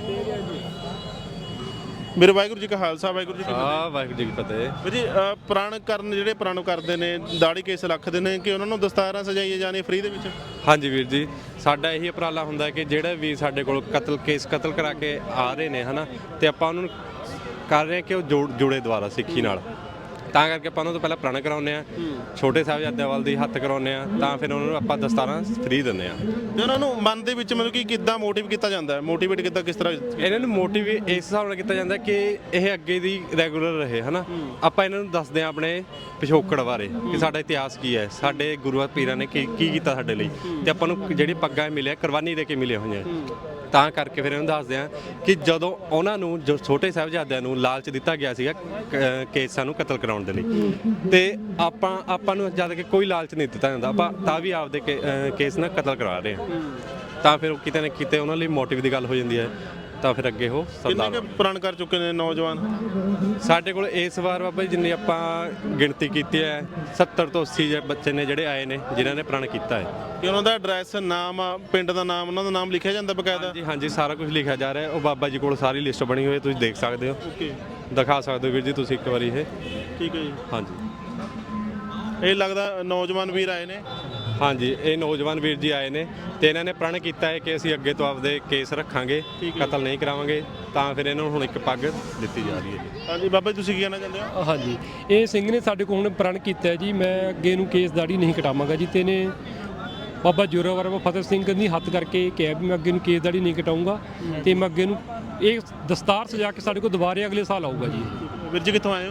Speaker 3: ਮੇਰੇ ਵਾਹਿਗੁਰੂ ਜੀ ਕਾ ਖਾਲਸਾ ਵਾਹਿਗੁਰੂ ਜੀ ਕੀ ਫਤਿਹ।
Speaker 4: ਵਾਹਿਗੁਰੂ ਜੀ ਕੀ ਫਤਿਹ।
Speaker 3: ਵੀਰ ਜੀ ਪ੍ਰਣ ਕਰਨ ਜਿਹੜੇ ਪ੍ਰਣ ਕਰਦੇ ਨੇ ਦਾੜੀ ਕੇਸ ਰੱਖਦੇ ਨੇ ਕਿ ਉਹਨਾਂ ਨੂੰ ਦਸਤਾਰਾਂ ਸਜਾਈਆਂ ਜਾਣੀਆਂ ਫ੍ਰੀ ਦੇ ਵਿੱਚ?
Speaker 4: ਹਾਂਜੀ ਵੀਰ ਜੀ, ਸਾਡਾ ਇਹੀ ਉਪਰਾਲਾ ਹੁੰਦਾ ਕਿ ਜਿਹੜੇ ਵੀ ਸਾਡੇ ਕੋਲ ਕਤਲ ਕਰਾ ਕੇ ਆ ਰਹੇ ਨੇ ਹਨਾ, ਤੇ ਆਪਾਂ ਉਹਨਾਂ ਨੂੰ ਕਰ ਰਹੇ ਕਿ ਉਹ ਜੁੜੇ ਦੁਆਰਾ ਸਿੱਖੀ ਨਾਲ। ਤਾਂ ਕਰਕੇ ਆਪਾਂ ਉਹਨਾਂ ਤੋਂ ਪਹਿਲਾਂ ਪ੍ਰਣ ਕਰਾਉਂਦੇ ਆ, ਛੋਟੇ ਸਾਹਿਬਜ਼ਾਦਿਆਂ ਵੱਲ ਦੀ ਹੱਥ ਕਰਾਉਂਦੇ ਆ, ਤਾਂ ਫਿਰ ਉਹਨਾਂ ਨੂੰ ਆਪਾਂ ਦਸਤਾਰਾਂ ਫ੍ਰੀ ਦਿੰਦੇ ਆ।
Speaker 3: ਤੇ ਉਹਨਾਂ ਨੂੰ ਮਨ ਦੇ ਵਿੱਚ ਮਤਲਬ ਕਿ ਕਿੱਦਾਂ ਮੋਟਿਵ ਕੀਤਾ ਜਾਂਦਾ ਹੈ? ਮੋਟੀਵੇਟ ਕਿੱਦਾਂ, ਕਿਸ ਤਰ੍ਹਾਂ?
Speaker 4: ਇਹਨਾਂ ਨੂੰ ਮੋਟਿਵ ਇਸ ਹਿਸਾਬ ਨਾਲ ਕੀਤਾ ਜਾਂਦਾ ਕਿ ਇਹ ਅੱਗੇ ਦੀ ਰੈਗੂਲਰ ਰਹੇ ਹਨਾ। ਆਪਾਂ ਇਹਨਾਂ ਨੂੰ ਦੱਸਦੇ ਆ ਆਪਣੇ ਪਿਛੋਕੜ ਬਾਰੇ ਕਿ ਸਾਡਾ ਇਤਿਹਾਸ ਕੀ ਹੈ, ਸਾਡੇ ਗੁਰੂਆਂ ਪੀਰਾਂ ਨੇ ਕੀ ਕੀਤਾ ਸਾਡੇ ਲਈ, ਤੇ ਆਪਾਂ ਨੂੰ ਜਿਹੜੀ ਪੱਗਾਂ ਮਿਲਿਆ ਕੁਰਬਾਨੀ ਦੇ ਕੇ ਮਿਲੀਆਂ ਹੋਈਆਂ। ਤਾਂ ਕਰਕੇ ਫਿਰ ਇਹਨੂੰ ਦੱਸਦੇ ਆ ਕਿ ਜਦੋਂ ਉਹਨਾਂ ਨੂੰ ਜੋ ਛੋਟੇ ਸਾਹਿਬਜ਼ਾਦਿਆਂ ਨੂੰ ਲਾਲਚ ਦਿੱਤਾ ਗਿਆ ਸੀਗਾ ਕੇਸਾਂ ਨੂੰ ਕਤਲ ਕਰਾਉਣ ਦੇ ਲਈ, ਤੇ ਆਪਾਂ ਨੂੰ ਜਦ ਕਿ ਕੋਈ ਲਾਲਚ ਨਹੀਂ ਦਿੱਤਾ ਜਾਂਦਾ, ਆਪਾਂ ਤਾਂ ਵੀ ਆਪਦੇ ਕੇਸ ਨਾਲ ਕਤਲ ਕਰਵਾ ਰਹੇ ਹਾਂ। ਤਾਂ ਫਿਰ ਕਿਤੇ ਨਾ ਕਿਤੇ ਉਹਨਾਂ ਲਈ ਮੋਟਿਵ ਦੀ ਗੱਲ ਹੋ ਜਾਂਦੀ ਹੈ। ਤਾਂ ਫਿਰ ਅੱਗੇ ਉਹ ਸਰਦਾਰ
Speaker 3: ਕਿੰਨੇ ਪ੍ਰਣ ਕਰ ਚੁੱਕੇ ਨੇ ਨੌਜਵਾਨ
Speaker 4: ਸਾਡੇ ਕੋਲ ਇਸ ਵਾਰ? ਬਾਬਾ ਜੀ ਜਿੰਨੀ ਆਪਾਂ ਗਿਣਤੀ ਕੀਤੀ ਹੈ 70 ਤੋਂ 80 ਬੱਚੇ ਨੇ ਜਿਹੜੇ ਆਏ ਨੇ ਜਿਨ੍ਹਾਂ ਨੇ ਪ੍ਰਣ ਕੀਤਾ ਹੈ।
Speaker 3: ਕਿ ਉਹਨਾਂ ਦਾ ਐਡਰੈਸ, ਨਾਮ, ਪਿੰਡ ਦਾ ਨਾਮ, ਉਹਨਾਂ ਦਾ ਨਾਮ ਲਿਖਿਆ ਜਾਂਦਾ ਬਕਾਇਦਾ?
Speaker 4: ਜੀ ਹਾਂਜੀ, ਸਾਰਾ ਕੁਝ ਲਿਖਿਆ ਜਾ ਰਿਹਾ ਹੈ। ਉਹ ਬਾਬਾ ਜੀ ਕੋਲ ਸਾਰੀ ਲਿਸਟ ਬਣੀ ਹੋਈ ਹੈ, ਤੁਸੀਂ ਦੇਖ ਸਕਦੇ ਹੋ।
Speaker 3: ਓਕੇ,
Speaker 4: ਦਿਖਾ ਸਕਦੇ ਹੋ ਵੀਰ ਜੀ ਤੁਸੀਂ ਇੱਕ ਵਾਰੀ ਇਹ।
Speaker 3: ਠੀਕ ਹੈ ਜੀ।
Speaker 4: ਹਾਂਜੀ,
Speaker 3: ਇਹ ਲੱਗਦਾ ਨੌਜਵਾਨ ਵੀਰ ਆਏ ਨੇ?
Speaker 4: ਹਾਂਜੀ, ਇਹ ਨੌਜਵਾਨ ਵੀਰ ਜੀ ਆਏ ਨੇ ਤੇ ਇਹਨਾਂ ਨੇ ਪ੍ਰਣ ਕੀਤਾ ਹੈ ਕਿ ਅਸੀਂ ਅੱਗੇ ਤੋਂ ਆਪਦੇ ਕੇਸ ਰੱਖਾਂਗੇ, ਕਤਲ ਨਹੀਂ ਕਰਾਵਾਂਗੇ। ਤਾਂ ਫਿਰ ਇਹਨਾਂ ਨੂੰ ਹੁਣ ਇੱਕ ਪੱਗ ਦਿੱਤੀ ਜਾ ਰਹੀ ਹੈ ਜੀ।
Speaker 3: ਹਾਂਜੀ ਬਾਬਾ ਜੀ, ਤੁਸੀਂ ਕੀ ਕਹਿਣਾ ਚਾਹੁੰਦੇ ਹੋ?
Speaker 1: ਹਾਂਜੀ, ਇਹ ਸਿੰਘ ਨੇ ਸਾਡੇ ਕੋਲ ਹੁਣ ਪ੍ਰਣ ਕੀਤਾ ਜੀ, ਮੈਂ ਅੱਗੇ ਨੂੰ ਕੇਸ ਦਾੜੀ ਨਹੀਂ ਕਟਾਵਾਂਗਾ ਜੀ। ਤੇ ਨੇ ਬਾਬਾ ਜ਼ੋਰਾਵਰ ਬਾਬਾ ਫਤਿਹ ਸਿੰਘ ਦੀ ਹੱਥ ਕਰਕੇ ਕਿਹਾ ਵੀ ਮੈਂ ਅੱਗੇ ਨੂੰ ਕੇਸ ਦਾੜੀ ਨਹੀਂ ਕਟਾਊਂਗਾ ਤੇ ਮੈਂ ਅੱਗੇ ਨੂੰ ਇਹ ਦਸਤਾਰ ਸਜਾ ਕੇ ਸਾਡੇ ਕੋਲ ਦੁਬਾਰੇ ਅਗਲੇ ਸਾਲ ਆਊਗਾ ਜੀ।
Speaker 3: ਵੀਰ ਜੀ ਕਿੱਥੋਂ ਆਏ ਹੋ?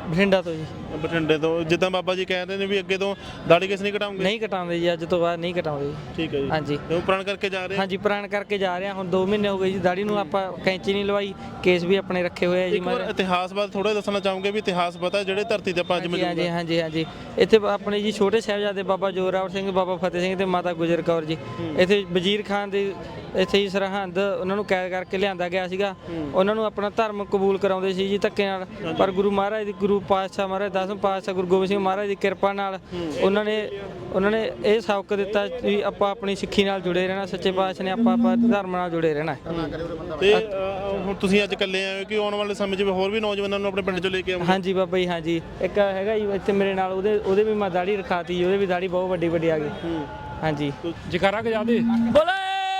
Speaker 5: ਬਠਿੰਡਾ ਤੋਂ ਜੀ।
Speaker 3: ਬਠਿੰਡੇ ਤੋਂ। ਜਿੱਦਾਂ ਬਾਬਾ ਜੀ ਕਹਿ ਰਹੇ ਨੇ ਵੀ ਅੱਗੇ ਤੋਂ ਦਾੜੀ ਕੇਸ ਨਹੀਂ ਕਟਾਉਂਗੇ?
Speaker 5: ਨਹੀਂ ਕਟਾਉਂਦੇ ਜੀ, ਅੱਜ ਤੋਂ ਬਾਅਦ ਨਹੀਂ ਕਟਾਉਂਦੇ ਜੀ।
Speaker 3: ਠੀਕ ਹੈ ਜੀ।
Speaker 5: ਹਾਂਜੀ
Speaker 3: ਤੇ ਉਹ ਪ੍ਰਣ ਕਰਕੇ ਜਾ ਰਹੇ ਆ?
Speaker 5: ਹਾਂਜੀ ਪ੍ਰਣ ਕਰਕੇ ਜਾ ਰਹੇ ਹਾਂ। ਹੁਣ 2 ਮਹੀਨੇ ਹੋ ਗਏ ਜੀ ਦਾੜੀ ਨੂੰ ਆਪਾਂ ਕੈਂਚੀ ਨਹੀਂ ਲਵਾਈ, ਕੇਸ ਵੀ ਆਪਣੇ ਰੱਖੇ ਹੋਏ ਆ ਜੀ।
Speaker 3: ਇੱਕ ਵਾਰ ਇਤਿਹਾਸ ਬਾਰੇ ਥੋੜਾ ਦੱਸਣਾ ਚਾਹੋਗੇ ਵੀ ਇਤਿਹਾਸ ਪਤਾ ਜਿਹੜੇ ਧਰਤੀ ਤੇ ਆਪਾਂ ਅੱਜ
Speaker 5: ਹਾਂਜੀ ਹਾਂਜੀ ਹਾਂਜੀ ਹਾਂਜੀ ਇੱਥੇ ਆਪਣੇ ਜੀ ਛੋਟੇ ਸਾਹਿਬਜ਼ਾਦੇ ਬਾਬਾ ਜੋਰਾਵਰ ਸਿੰਘ, ਬਾਬਾ ਫਤਿਹ ਸਿੰਘ ਤੇ ਮਾਤਾ ਗੁਜਰ ਕੌਰ ਜੀ। ਇੱਥੇ ਵਜ਼ੀਰ ਖਾਨ ਦੇ ਇੱਥੇ ਹੀ ਸਰਹੰਦ ਉਹਨਾਂ ਨੂੰ ਕੈਦ ਕਰਕੇ ਲਿਆਂਦਾ ਗਿਆ ਸੀਗਾ। ਉਹਨਾਂ ਨੂੰ ਆਪਣਾ ਧਰਮ ਕਬੂਲ ਕਰਾਉਂਦੇ ਸੀ ਜੀ ਧੱਕੇ ਨਾਲ, ਪਰ ਗੁਰੂ ਮਹਾਰਾਜ ਦੀ ਗੁਰੂ ਪਾਤਸ਼ਾਹ ਮਹਾਰਾਜ 10ਵੇਂ ਪਾਤਸ਼ਾਹ ਗੁਰੂ ਗੋਬਿੰਦ ਸਿੰਘ ਮਹਾਰਾਜ ਦੀ ਕਿਰਪਾ ਨਾਲ ਉਹਨਾਂ ਨੇ ਇਹ ਸਬਕ ਦਿੱਤਾ ਵੀ ਆਪਾਂ ਆਪਣੀ ਸਿੱਖੀ ਨਾਲ ਜੁੜੇ ਰਹਿਣਾ, ਸੱਚੇ ਪਾਤਸ਼ਾਹ ਨੇ ਆਪਾਂ ਧਰਮ ਨਾਲ ਜੁੜੇ ਰਹਿਣਾ।
Speaker 3: ਤੇ ਹੁਣ ਤੁਸੀਂ ਅੱਜ ਇਕੱਲੇ ਆਏ ਹੋ ਕਿ ਆਉਣ ਵਾਲੇ ਸਮੇਂ 'ਚ ਹੋਰ ਵੀ ਨੌਜਵਾਨਾਂ ਨੂੰ ਆਪਣੇ ਪਿੰਡ 'ਚੋਂ ਲੈ ਕੇ ਆਉਂਗੇ?
Speaker 5: ਹਾਂਜੀ ਬਾਬਾ ਜੀ ਹਾਂਜੀ। ਇੱਕ ਹੈਗਾ ਜੀ ਇੱਥੇ ਮੇਰੇ ਨਾਲ, ਉਹਦੇ ਵੀ ਮੈਂ ਦਾੜੀ ਰਖਾਤੀ ਜੀ, ਉਹਦੇ ਵੀ ਦਾੜੀ ਬਹੁਤ ਵੱਡੀ ਵੱਡੀ ਆ ਗਈ। ਹਾਂਜੀ
Speaker 1: ਜਕਾਰਾ ਗਜਾ ਦੇ।
Speaker 5: ਬੋਲੇ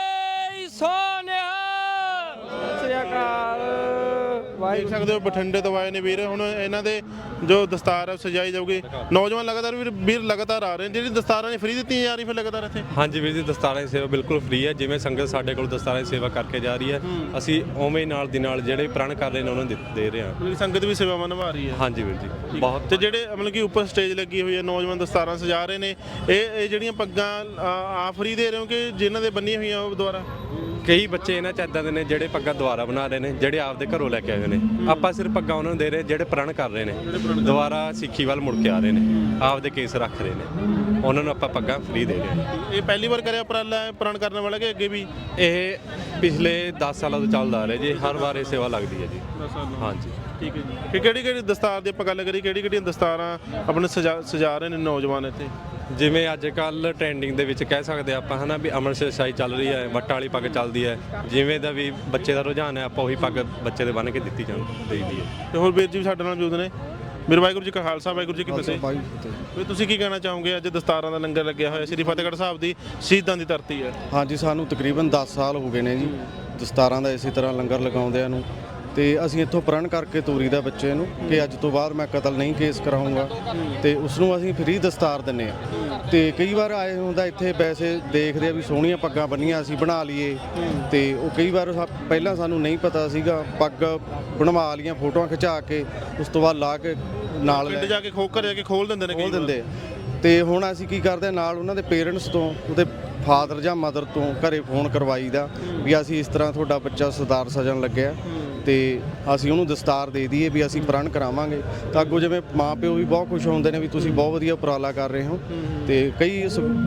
Speaker 5: ਸੋਨਿਆ ਸ੍ਰੀ ਅਕਾਲ।
Speaker 3: ਦੇਖ ਸਕਦੇ ਹੋ ਬਠਿੰਡੇ ਤੋਂ ਆਏ ਨੇ ਵੀਰ। ਹੁਣ ਇਹਨਾਂ ਦੇ ਜੋ ਦਸਤਾਰ ਹੈ ਸਜਾਈ ਜਾਊਗੀ। ਨੌਜਵਾਨ ਲਗਾਤਾਰ ਵੀਰ ਲਗਾਤਾਰ ਆ ਰਹੇ ਨੇ। ਜਿਹੜੀ ਦਸਤਾਰਾਂ ਨੇ ਫ੍ਰੀ ਦਿੱਤੀਆਂ ਜਾ ਰਹੀ ਫਿਰ ਲਗਾਤਾਰ ਇੱਥੇ?
Speaker 4: ਹਾਂਜੀ ਵੀਰ ਜੀ, ਦਸਤਾਰਾਂ ਦੀ ਸੇਵਾ ਬਿਲਕੁਲ ਫ੍ਰੀ ਹੈ। ਜਿਵੇਂ ਸੰਗਤ ਸਾਡੇ ਕੋਲ ਦਸਤਾਰਾਂ ਦੀ ਸੇਵਾ ਕਰਕੇ ਜਾ ਰਹੀ ਹੈ, ਅਸੀਂ ਉਵੇਂ ਨਾਲ ਦੀ ਨਾਲ ਜਿਹੜੇ ਪ੍ਰਣ ਕਰ ਰਹੇ ਨੇ ਉਹਨਾਂ ਨੂੰ ਦੇ ਰਹੇ ਹਾਂ।
Speaker 3: ਮਤਲਬ ਸੰਗਤ ਵੀ ਸੇਵਾਵਾਂ ਨਿਭਾ ਰਹੀ ਹੈ?
Speaker 4: ਹਾਂਜੀ ਵੀਰ ਜੀ ਬਹੁਤ।
Speaker 3: ਤੇ ਜਿਹੜੇ ਮਤਲਬ ਕਿ ਉੱਪਰ ਸਟੇਜ ਲੱਗੀ ਹੋਈ ਹੈ, ਨੌਜਵਾਨ ਦਸਤਾਰਾਂ ਸਜਾ ਰਹੇ ਨੇ, ਇਹ ਜਿਹੜੀਆਂ ਪੱਗਾਂ ਆ ਫ੍ਰੀ ਦੇ ਰਹੇ ਹੋ ਕਿ ਜਿਨ੍ਹਾਂ ਦੇ ਬੰਨੀਆਂ ਹੋਈਆਂ ਉਹ ਦੁਆਰਾ?
Speaker 4: ਕਈ ਬੱਚੇ ਇਹਨਾਂ 'ਚ ਇੱਦਾਂ ਦੇ ਨੇ ਜਿਹੜੇ ਪੱਗਾਂ ਦੁਬਾਰਾ ਬਣਾ ਰਹੇ ਨੇ, ਜਿਹੜੇ ਆਪਦੇ ਘਰੋਂ ਲੈ ਕੇ ਆਏ ਹੋਏ ਨੇ। ਆਪਾਂ ਸਿਰਫ ਪੱਗਾਂ ਉਹਨਾਂ ਨੂੰ ਦੇ ਰਹੇ ਜਿਹੜੇ ਪ੍ਰਣ ਕਰ ਰਹੇ ਨੇ, ਦੁਬਾਰਾ ਸਿੱਖੀ ਵੱਲ ਮੁੜ ਕੇ ਆ ਰਹੇ ਨੇ, ਆਪਦੇ ਕੇਸ ਰੱਖ ਰਹੇ ਨੇ, ਉਹਨਾਂ ਨੂੰ ਆਪਾਂ ਪੱਗਾਂ ਫ੍ਰੀ ਦੇ ਰਹੇ ਹਾਂ।
Speaker 3: ਇਹ ਪਹਿਲੀ ਵਾਰ ਕਰਿਆ ਉਪਰਾਲਾ ਹੈ ਪ੍ਰਣ ਕਰਨ ਵਾਲਾ ਕਿ ਅੱਗੇ ਵੀ?
Speaker 4: ਇਹ ਪਿਛਲੇ 10 ਸਾਲਾਂ ਤੋਂ ਚੱਲਦਾ ਆ ਰਿਹਾ ਜੀ, ਹਰ ਵਾਰ ਇਹ ਸੇਵਾ ਲੱਗਦੀ ਹੈ ਜੀ। ਹਾਂਜੀ
Speaker 3: ਠੀਕ ਹੈ ਜੀ। ਕਿ ਕਿਹੜੀ ਦਸਤਾਰ ਦੀ ਆਪਾਂ ਗੱਲ ਕਰੀ, ਕਿਹੜੀਆਂ ਦਸਤਾਰਾਂ ਆਪਣੇ ਸਜਾ ਰਹੇ ਨੇ ਨੌਜਵਾਨ ਇੱਥੇ?
Speaker 4: ਜਿਵੇਂ ਅੱਜ ਕੱਲ ਟ੍ਰੈਂਡਿੰਗ ਦੇ ਵਿੱਚ ਕਹਿ ਸਕਦੇ ਆਪਾਂ ਹਨਾ ਵੀ ਅੰਮ੍ਰਿਤਸਰ ਸ਼ਾਹੀ ਚੱਲ ਰਹੀ ਹੈ, ਵੱਟਾਂ ਵਾਲੀ ਪੱਗ ਚੱਲਦੀ ਹੈ। ਜਿਵੇਂ ਦਾ ਵੀ ਬੱਚੇ ਦਾ ਰੁਝਾਨ ਹੈ, ਆਪਾਂ ਉਹੀ ਪੱਗ ਬੱਚੇ ਦੇ ਬੰਨ੍ਹ ਕੇ ਦਿੱਤੀ ਦੇਈਦੀ ਹੈ।
Speaker 3: ਤੇ ਹੋਰ ਵੀਰ ਜੀ ਵੀ ਸਾਡੇ ਨਾਲ ਮੌਜੂਦ ਨੇ। ਮੇਰੇ ਵਾਹਿਗੁਰੂ ਜੀ ਕਾ ਖਾਲਸਾ, ਵਾਹਿਗੁਰੂ ਜੀ ਕੀ ਫਤਿਹ। ਵੀ ਤੁਸੀਂ ਕੀ ਕਹਿਣਾ ਚਾਹੋਗੇ? ਅੱਜ ਦਸਤਾਰਾਂ ਦਾ ਲੰਗਰ ਲੱਗਿਆ ਹੋਇਆ ਸ੍ਰੀ ਫਤਿਹਗੜ੍ਹ ਸਾਹਿਬ ਦੀ ਸ਼ਹੀਦਾਂ ਦੀ ਧਰਤੀ ਹੈ।
Speaker 7: ਹਾਂਜੀ ਸਾਨੂੰ ਤਕਰੀਬਨ 10 ਸਾਲ ਹੋ ਗਏ ਨੇ ਜੀ ਦਸਤਾਰਾਂ ਦਾ ਇਸੇ ਤਰ੍ਹਾਂ ਲੰਗਰ ਲਗਾਉਂਦਿਆਂ ਨੂੰ। ਤੇ ਅਸੀਂ ਇੱਥੋਂ ਪ੍ਰਣ ਕਰਕੇ ਤੋਰੀਦਾ ਬੱਚੇ ਨੂੰ ਕਿ ਅੱਜ ਤੋਂ ਬਾਅਦ ਮੈਂ ਕਤਲ ਨਹੀਂ ਕੇਸ ਕਰਾਊਂਗਾ, ਤੇ ਉਸ ਨੂੰ ਅਸੀਂ ਫ੍ਰੀ ਦਸਤਾਰ ਦਿੰਨੇ ਆ। ਤੇ ਕਈ ਵਾਰ ਆਏ ਹੁੰਦਾ ਇੱਥੇ ਵੈਸੇ ਦੇਖਦੇ ਆ ਵੀ ਸੋਹਣੀਆਂ ਪੱਗਾਂ ਬੰਨੀਆਂ ਅਸੀਂ ਬਣਾ ਲਈਏ, ਤੇ ਉਹ ਕਈ ਵਾਰ ਪਹਿਲਾਂ ਸਾਨੂੰ ਨਹੀਂ ਪਤਾ ਸੀਗਾ, ਪੱਗ ਬਣਵਾ ਲਈਆਂ ਫੋਟੋਆਂ ਖਿਚਾ ਕੇ, ਉਸ ਤੋਂ ਬਾਅਦ ਲਾ ਕੇ ਨਾਲ
Speaker 3: ਪਿੰਡ ਜਾ ਕੇ ਘਰ ਜਾ ਕੇ ਖੋਲ ਦਿੰਦੇ ਨੇ,
Speaker 7: ਖੋਲ ਦਿੰਦੇ ਆ। ਤੇ ਹੁਣ ਅਸੀਂ ਕੀ ਕਰਦੇ ਆ, ਨਾਲ ਉਹਨਾਂ ਦੇ ਪੇਰੈਂਟਸ ਤੋਂ, ਉਹਦੇ ਫਾਦਰ ਜਾਂ ਮਦਰ ਤੋਂ ਘਰੇ ਫੋਨ ਕਰਵਾਈਦਾ ਵੀ ਅਸੀਂ ਇਸ ਤਰ੍ਹਾਂ ਤੁਹਾਡਾ ਬੱਚਾ ਸਰਦਾਰ ਸਜਣ ਲੱਗਿਆ, ਤੇ ਅਸੀਂ ਉਹਨੂੰ ਦਸਤਾਰ ਦੇ ਦਈਏ ਵੀ ਅਸੀਂ ਪ੍ਰਣ ਕਰਾਵਾਂਗੇ। ਤਾਂ ਅੱਗੋਂ ਜਿਵੇਂ ਮਾਂ ਪਿਓ ਵੀ ਬਹੁਤ ਖੁਸ਼ ਹੁੰਦੇ ਨੇ ਵੀ ਤੁਸੀਂ ਬਹੁਤ ਵਧੀਆ ਉਪਰਾਲਾ ਕਰ ਰਹੇ ਹੋ। ਤੇ ਕਈ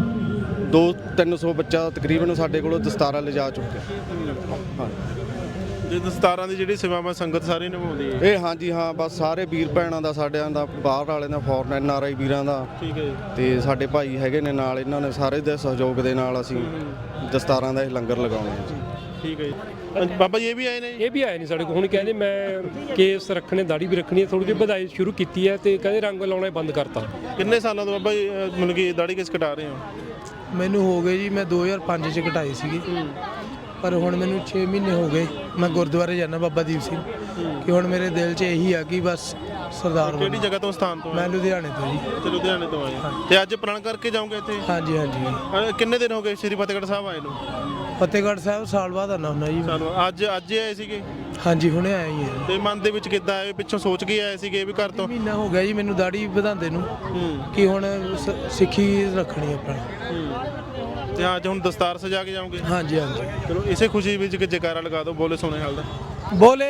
Speaker 7: 200-300 ਬੱਚਾ ਤਕਰੀਬਨ ਸਾਡੇ ਕੋਲੋਂ ਦਸਤਾਰਾਂ ਲਿਜਾ ਚੁੱਕਿਆ। ਹਾਂ
Speaker 3: ਜੇ ਦਸਤਾਰਾਂ ਦੀ ਜਿਹੜੀ ਸੇਵਾਵਾਂ ਸੰਗਤ ਸਾਰੀ ਨਿਭਾਉਂਦੀ ਹੈ
Speaker 7: ਇਹ? ਹਾਂਜੀ ਹਾਂ, ਬਸ ਸਾਰੇ ਵੀਰ ਭੈਣਾਂ ਦਾ, ਸਾਡਿਆਂ ਦਾ, ਬਾਹਰ ਵਾਲਿਆਂ ਦਾ, ਫੋਰਨ NRI ਵੀਰਾਂ ਦਾ।
Speaker 3: ਠੀਕ ਹੈ ਜੀ।
Speaker 7: ਤੇ ਸਾਡੇ ਭਾਈ ਹੈਗੇ ਨੇ ਨਾਲ, ਇਹਨਾਂ ਨੇ ਸਾਰੇ ਦੇ ਸਹਿਯੋਗ ਦੇ ਨਾਲ ਅਸੀਂ ਦਸਤਾਰਾਂ ਦਾ ਇਹ ਲੰਗਰ ਲਗਾਉਣੇ ਆ ਜੀ।
Speaker 3: ਠੀਕ ਹੈ ਜੀ। ਬਾਬਾ ਜੀ ਇਹ ਵੀ ਆਏ ਨੇ?
Speaker 1: ਇਹ ਵੀ ਆਏ ਨਹੀਂ ਸਾਡੇ ਕੋਲ। ਹੁਣ ਕਹਿੰਦੇ ਮੈਂ ਕੇਸ ਰੱਖਣੇ, ਦਾੜੀ ਵੀ ਰੱਖਣੀ ਹੈ, ਥੋੜੀ ਜਿਹੀ ਵਧਾਈ ਸ਼ੁਰੂ ਕੀਤੀ ਹੈ, ਤੇ ਕਹਿੰਦੇ ਰੰਗ ਲਾਉਣਾ ਬੰਦ ਕਰਤਾ।
Speaker 3: ਕਿੰਨੇ ਸਾਲਾਂ ਤੋਂ ਬਾਬਾ ਜੀ ਮਤਲਬ ਕਿ ਦਾੜੀ ਕੇਸ ਕਟਾ ਰਹੇ ਹੋ?
Speaker 8: ਮੈਨੂੰ ਹੋ ਗਏ ਜੀ, ਮੈਂ 2005 ਚ ਕਟਾਈ ਸੀਗੀ, ਪਰ ਹੁਣ ਮੈਨੂੰ 6 ਮਹੀਨੇ ਹੋ ਗਏ। ਮੈਂ ਗੁਰਦੁਆਰੇ ਜਾਂਦਾ ਬਾਬਾ ਦੀਪ ਸਿੰਘ, ਕਿ ਹੁਣ ਮੇਰੇ ਦਿਲ 'ਚ ਇਹੀ ਆ ਕਿ ਬਸ ਸਰਦਾਰ
Speaker 3: ਕਿਹੜੀ ਜਗ੍ਹਾ ਤੋਂ ਸਥਾਨ ਤੋਂ?
Speaker 8: ਮੈਂ ਲੁਧਿਆਣੇ ਤੋਂ ਜੀ।
Speaker 3: ਤੇ ਲੁਧਿਆਣੇ ਤੋਂ ਆਏ ਤੇ ਅੱਜ ਪ੍ਰਣ ਕਰਕੇ ਜਾਓਗੇ ਇੱਥੇ?
Speaker 8: ਹਾਂਜੀ ਹਾਂਜੀ।
Speaker 3: ਕਿੰਨੇ ਦਿਨ ਹੋ ਗਏ ਸ੍ਰੀ ਫਤਿਹਗੜ੍ਹ ਸਾਹਿਬ ਆਏ ਨੂੰ?
Speaker 8: ਫਤਿਹਗੜ੍ਹ ਸਾਹਿਬ ਸਾਲ ਬਾਅਦ ਆਉਣਾ ਹੁੰਦਾ ਜੀ।
Speaker 3: ਸਾਨੂੰ ਅੱਜ ਹੀ ਆਏ ਸੀਗੇ?
Speaker 8: ਹਾਂਜੀ ਹੁਣੇ ਆਏ ਹੀ ਹਾਂ।
Speaker 3: ਤੇ ਮਨ ਦੇ ਵਿੱਚ ਕਿੱਦਾਂ ਆਏ, ਪਿੱਛੋਂ ਸੋਚ ਕੇ ਆਏ ਸੀਗੇ ਵੀ ਘਰ ਤੋਂ?
Speaker 8: ਮਹੀਨਾ ਹੋ ਗਿਆ ਜੀ ਮੈਨੂੰ ਦਾੜੀ ਵਧਾਉਂਦੇ ਨੂੰ, ਕਿ ਹੁਣ ਸਿੱਖੀ ਰੱਖਣੀ ਆਪਣਾ।
Speaker 3: ਤੇ ਅੱਜ ਹੁਣ ਦਸਤਾਰ ਸਜਾ ਕੇ ਜਾਓਗੇ?
Speaker 8: ਹਾਂਜੀ ਹਾਂਜੀ।
Speaker 3: ਚਲੋ ਇਸੇ ਖੁਸ਼ੀ ਵਿੱਚ ਕਿ ਜੈਕਾਰਾ ਲਗਾ ਦਿਓ, ਬੋਲੇ ਸੋਨੇ ਹਾਲ ਦਾ।
Speaker 8: ਬੋਲੇ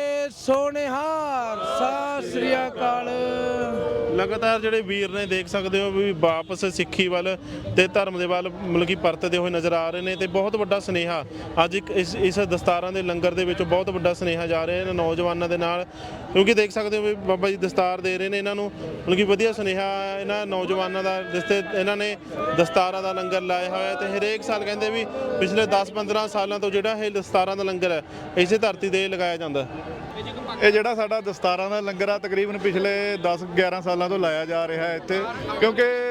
Speaker 8: ਸੋਨੇਹਾਰ ਸਤਿ ਸ੍ਰੀ ਅਕਾਲ।
Speaker 3: ਲਗਾਤਾਰ ਜਿਹੜੇ ਵੀਰ ਨੇ ਦੇਖ ਸਕਦੇ ਹੋ ਵੀ ਵਾਪਸ ਸਿੱਖੀ ਵੱਲ ਤੇ ਧਰਮ ਦੇ ਵੱਲ ਮਤਲਬ ਕਿ ਪਰਤਦੇ ਹੋਏ ਨਜ਼ਰ ਆ ਰਹੇ ਨੇ, ਤੇ ਬਹੁਤ ਵੱਡਾ ਸੁਨੇਹਾ ਅੱਜ ਇਸ ਦਸਤਾਰਾਂ ਦੇ ਲੰਗਰ ਦੇ ਵਿੱਚ ਬਹੁਤ ਵੱਡਾ ਸੁਨੇਹਾ ਜਾ ਰਿਹਾ ਇਹਨਾਂ ਨੌਜਵਾਨਾਂ ਦੇ ਨਾਲ, ਕਿਉਂਕਿ ਦੇਖ ਸਕਦੇ ਹੋ ਵੀ ਬਾਬਾ ਜੀ ਦਸਤਾਰ ਦੇ ਰਹੇ ਨੇ ਇਹਨਾਂ ਨੂੰ, ਮਤਲਬ ਕਿ ਵਧੀਆ ਸੁਨੇਹਾ ਇਹਨਾਂ ਨੌਜਵਾਨਾਂ ਦਾ, ਜਿਸ ਤੇ ਇਹਨਾਂ ਨੇ ਦਸਤਾਰਾਂ ਦਾ ਲੰਗਰ ਲਾਇਆ ਹੋਇਆ। ਤੇ ਹਰੇਕ ਸਾਲ ਕਹਿੰਦੇ ਵੀ ਪਿਛਲੇ 10-15 ਸਾਲਾਂ ਤੋਂ ਜਿਹੜਾ ਇਹ ਦਸਤਾਰਾਂ ਦਾ ਲੰਗਰ ਹੈ ਇਸੇ ਧਰਤੀ ਤੇ ਲਗਾਇਆ ਜਾਂਦਾ।
Speaker 6: ਇਹ ਜਿਹੜਾ ਸਾਡਾ ਦਸਤਾਰਾਂ ਦਾ ਲੰਗਰ ਆ ਤਕਰੀਬਨ ਪਿਛਲੇ 10-11 ਸਾਲਾਂ ਤੋਂ ਲਾਇਆ ਜਾ ਰਿਹਾ ਹੈ ਇੱਥੇ, ਕਿਉਂਕਿ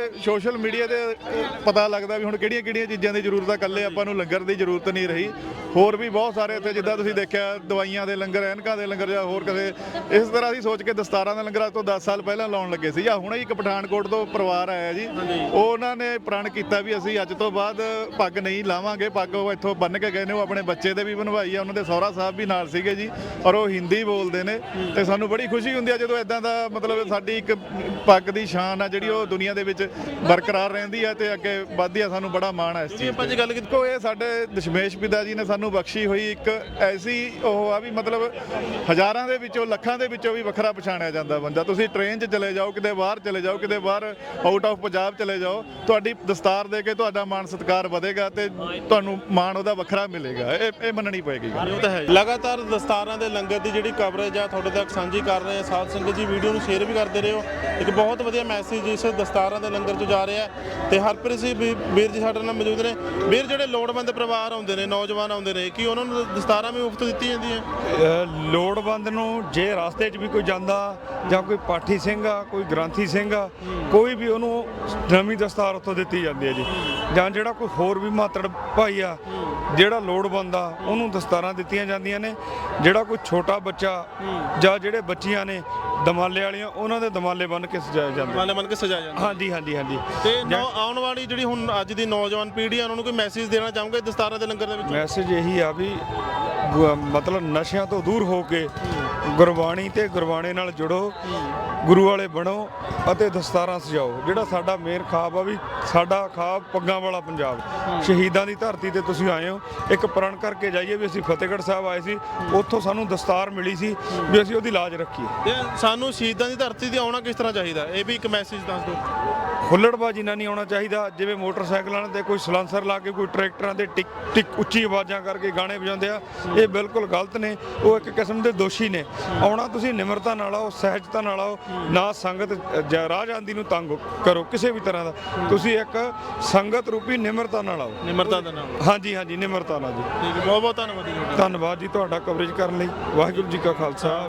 Speaker 6: ਸੋਸ਼ਲ ਮੀਡੀਆ ਤੇ ਪਤਾ ਲੱਗਦਾ ਵੀ ਹੁਣ ਕਿਹੜੀਆਂ ਚੀਜ਼ਾਂ ਦੀ ਜ਼ਰੂਰਤ ਆ, ਇਕੱਲੇ ਆਪਾਂ ਨੂੰ ਲੰਗਰ ਦੀ ਜ਼ਰੂਰਤ ਨਹੀਂ ਰਹੀ। ਹੋਰ ਵੀ ਬਹੁਤ ਸਾਰੇ ਇੱਥੇ ਜਿੱਦਾਂ ਤੁਸੀਂ ਦੇਖਿਆ ਦਵਾਈਆਂ ਦੇ ਲੰਗਰ, ਐਨਕਾਂ ਦੇ ਲੰਗਰ ਜਾਂ ਹੋਰ ਕਦੇ ਇਸ ਤਰ੍ਹਾਂ ਅਸੀਂ ਸੋਚ ਕੇ ਦਸਤਾਰਾਂ ਦਾ ਲੰਗਰ ਅੱਜ ਤੋਂ 10 ਸਾਲ ਪਹਿਲਾਂ ਲਾਉਣ ਲੱਗੇ ਸੀ। ਜਾਂ ਹੁਣੇ ਇੱਕ ਪਠਾਨਕੋਟ ਤੋਂ ਪਰਿਵਾਰ ਆਇਆ ਜੀ, ਉਹਨਾਂ ਨੇ ਪ੍ਰਣ ਕੀਤਾ ਵੀ ਅਸੀਂ ਅੱਜ ਤੋਂ ਬਾਅਦ ਪੱਗ ਨਹੀਂ ਲਾਵਾਂਗੇ। ਪੱਗ ਉਹ ਇੱਥੋਂ ਬੰਨ੍ਹ ਕੇ ਗਏ ਨੇ, ਉਹ ਆਪਣੇ ਬੱਚੇ ਦੇ ਵੀ ਬਣਵਾਈ ਆ, ਉਹਨਾਂ ਦੇ ਸਹੁਰਾ ਸਾਹਿਬ ਵੀ ਨਾਲ ਸੀਗੇ ਜੀ, ਔਰ ਉਹ ਹਿੰਦੀ ਬੋਲਦੇ ਨੇ। ਤੇ ਸਾਨੂੰ ਬੜੀ ਖੁਸ਼ੀ ਹੁੰਦੀ ਆ ਜਦੋਂ ਇਦਾਂ ਦਾ ਮਤਲਬ ਸਾਡੀ ਇੱਕ ਪੱਗ ਦੀ ਸ਼ਾਨ ਆ ਜਿਹੜੀ ਉਹ ਦੁਨੀਆ ਦੇ ਵਿੱਚ ਬਰਕਰਾਰ ਰਹਿੰਦੀ ਆ ਤੇ ਅੱਗੇ ਵੱਧਦੀ ਆ। ਸਾਨੂੰ ਬੜਾ ਮਾਣ ਆ ਇਸ ਚੀਜ਼
Speaker 3: ਆਪਾਂ ਜੇ ਗੱਲ ਕੀਤੀ
Speaker 6: ਕੋ ਇਹ ਸਾਡੇ ਦਸ਼ਮੇਸ਼ ਪਿਤਾ ਜੀ ਨੇ ਸਾਨੂੰ ਬਖਸ਼ੀ ਹੋਈ ਇੱਕ ਐਸੀ ਉਹ ਆ ਵੀ ਮਤਲਬ ਹਜ਼ਾਰਾਂ ਦੇ ਵਿੱਚੋਂ ਲੱਖਾਂ ਦੇ ਵਿੱਚੋਂ ਵੀ ਵੱਖਰਾ ਪਛਾਣਿਆ ਜਾਂਦਾ ਬੰਦਾ। ਤੁਸੀਂ ਟ੍ਰੇਨ 'ਚ ਚਲੇ ਜਾਓ, ਕਿਤੇ ਬਾਹਰ ਚਲੇ ਜਾਓ, ਕਿਤੇ ਬਾਹਰ ਆਊਟ ਆਫ ਪੰਜਾਬ ਚਲੇ ਜਾਓ, ਤੁਹਾਡੀ ਦਸਤਾਰ ਦੇ ਕੇ ਤੁਹਾਡਾ ਮਾਣ ਸਤਿਕਾਰ ਵਧੇਗਾ ਤੇ ਤੁਹਾਨੂੰ ਮਾਣ ਉਹਦਾ ਵੱਖਰਾ ਮਿਲੇਗਾ। ਇਹ ਮੰਨਣੀ ਪਏਗੀ।
Speaker 3: ਲਗਾਤਾਰ ਦਸਤਾਰਾਂ ਦੇ ਲੰਗਰ ਦੀ ਜਿਹੜੀ ਕਵਰੇਜ ਆ ਤੁਹਾਡੇ ਤੱਕ ਸਾਂਝੀ ਕਰ ਰਹੇ ਆ। ਸਾਧ ਸੰਗਤ ਜੀ ਵੀਡੀਓ ਨੂੰ ਸ਼ੇਅਰ ਵੀ ਕਰਦੇ ਰਹੋ। ਇੱਕ ਬਹੁਤ ਵਧੀਆ ਮੈਸੇਜ ਇਸ ਦਸਤਾਰਾਂ ਦੇ ਲੰਗਰ 'ਚ ਜਾ ਰਿਹਾ ਤੇ ਹਰਪ੍ਰੀਤ ਸਿੰਘ ਵੀਰ ਜੀ ਸਾਡੇ ਨਾਲ ਮੌਜੂਦ ਨੇ। ਵੀਰ ਜਿਹੜੇ ਲੋੜਵੰਦ ਪਰਿਵਾਰ ਆਉਂਦੇ ਨੇ, ਨੌਜਵਾਨ ਆਉਂਦੇ ਨੇ, ਕੀ ਉਹਨਾਂ ਨੂੰ ਦਸਤਾਰਾਂ ਵੀ ਮੁਫਤ ਦਿੱਤੀ ਜਾਂਦੀਆਂ?
Speaker 2: ਲੋੜਵੰਦ ਨੂੰ ਜੇ ਰਸਤੇ 'ਚ ਵੀ ਕੋਈ ਜਾਂਦਾ ਜਾਂ ਕੋਈ ਪਾਠੀ ਸਿੰਘ ਆ, ਕੋਈ ਗ੍ਰੰਥੀ ਸਿੰਘ ਆ, ਕੋਈ ਵੀ ਉਹਨੂੰ ਨਵੀਂ ਦਸਤਾਰ ਉੱਥੋਂ ਦਿੱਤੀ ਜਾਂਦੀ ਹੈ ਜੀ। ਜਾਂ ਜਿਹੜਾ ਕੋਈ ਹੋਰ ਵੀ ਮਾਤੜ ਭਾਈ ਆ ਜਿਹੜਾ ਲੋੜਵੰਦ ਆ ਉਹਨੂੰ ਦਸਤਾਰਾਂ ਦਿੱਤੀਆਂ ਜਾਂਦੀਆਂ ਨੇ। ਜਿਹੜਾ ਕੋਈ ਛੋਟਾ ਬੱਚਾ ਜਾਂ ਜਿਹੜੇ ਬੱਚੀਆਂ ਨੇ ਦਮਾਲੇ ਵਾਲੀਆਂ, ਉਹਨਾਂ ਦੇ ਦਮਾਲੇ ਬੰਨ੍ਹ ਕੇ ਸਜਾਏ ਜਾਂਦੇ।
Speaker 3: ਦਮਾਲੇ ਬੰਨ੍ਹ ਕੇ ਸਜਾਇਆ ਜਾਂਦਾ।
Speaker 2: ਹਾਂਜੀ ਹਾਂਜੀ ਹਾਂਜੀ।
Speaker 3: ਤੇ ਆਉਣ ਵਾਲੀ ਜਿਹੜੀ ਹੁਣ ਅੱਜ ਦੀ ਨੌਜਵਾਨ ਪੀੜ੍ਹੀ ਆ ਉਹਨਾਂ ਨੂੰ ਕੋਈ ਮੈਸੇਜ ਦੇਣਾ ਚਾਹੋਗੇ ਦਸਤਾਰਾਂ ਦੇ ਲੰਗਰ ਦੇ ਵਿੱਚ?
Speaker 2: ਮੈਸੇਜ ਇਹੀ ਆ ਵੀ ਮਤਲਬ ਨਸ਼ਿਆਂ ਤੋਂ ਦੂਰ ਹੋ ਕੇ ਗੁਰਬਾਣੀ ਤੇ ਗੁਰਬਾਣੇ ਨਾਲ ਜੁੜੋ, ਗੁਰੂ ਵਾਲੇ ਬਣੋ ਅਤੇ ਦਸਤਾਰਾਂ ਸਜਾਓ। ਜਿਹੜਾ ਸਾਡਾ ਮੇਨ ਖਾਬ ਆ ਵੀ ਸਾਡਾ ਖਾਬ ਪੱਗਾਂ ਵਾਲਾ ਪੰਜਾਬ, ਸ਼ਹੀਦਾਂ ਦੀ ਧਰਤੀ ਤੇ ਤੁਸੀਂ ਆਏ ਹੋ। ਇੱਕ ਪ੍ਰਣ ਕਰਕੇ ਜਾਈਏ ਵੀ ਅਸੀਂ ਫਤਿਹਗੜ੍ਹ ਸਾਹਿਬ ਆਏ ਸੀ, ਉੱਥੋਂ ਸਾਨੂੰ ਦਸਤਾਰ ਮਿਲੀ ਸੀ ਵੀ ਅਸੀਂ ਉਹਦੀ ਲਾਜ ਰੱਖੀਏ।
Speaker 3: ਤੇ ਸਾਨੂੰ ਸ਼ਹੀਦਾਂ ਦੀ ਧਰਤੀ ਤੇ ਆਉਣਾ ਕਿਸ ਤਰ੍ਹਾਂ ਚਾਹੀਦਾ, ਇਹ ਵੀ ਇੱਕ ਮੈਸੇਜ ਦੱਸ ਦਿਓ।
Speaker 2: ਹੁੱਲੜਬਾਜ਼ੀ ਨਾਲ ਨਹੀਂ ਆਉਣਾ ਚਾਹੀਦਾ। ਜਿਵੇਂ ਮੋਟਰਸਾਈਕਲਾਂ ਤੇ ਕੋਈ ਸਲਾਂਸਰ ਲਾ ਕੇ, ਕੋਈ ਟਰੈਕਟਰਾਂ ਤੇ ਟਿਕ ਟਿਕ ਉੱਚੀ ਆਵਾਜ਼ਾਂ ਕਰਕੇ ਗਾਣੇ ਵਜਾਉਂਦੇ ਆ, ਇਹ ਬਿਲਕੁਲ ਗਲਤ ਨੇ। ਉਹ ਇੱਕ ਕਿਸਮ ਦੇ ਦੋਸ਼ੀ ਨੇ। ਆਉਣਾ ਤੁਸੀਂ ਨਿਮਰਤਾ ਨਾਲ ਆਓ, ਸਹਿਜਤਾ ਨਾਲ ਆਓ, ਨਾ ਸੰਗਤ ਰਾਹ ਜਾਂਦੀ ਨੂੰ ਤੰਗ ਕਰੋ ਕਿਸੇ ਵੀ ਤਰ੍ਹਾਂ ਦਾ। ਤੁਸੀਂ ਇੱਕ ਸੰਗਤ ਰੂਪੀ ਨਿਮਰਤਾ ਨਾਲ ਆਓ।
Speaker 3: ਨਿਮਰਤਾ ਦੇ ਨਾਲ।
Speaker 2: ਹਾਂਜੀ ਹਾਂਜੀ, ਨਿਮਰਤਾ ਨਾਲ ਜੀ।
Speaker 3: ਠੀਕ ਹੈ, ਬਹੁਤ ਬਹੁਤ ਧੰਨਵਾਦ ਜੀ।
Speaker 2: ਧੰਨਵਾਦ ਜੀ ਤੁਹਾਡਾ ਕਵਰੇਜ ਕਰਨ ਲਈ। ਵਾਹਿਗੁਰੂ ਜੀ ਕਾ ਖਾਲਸਾ।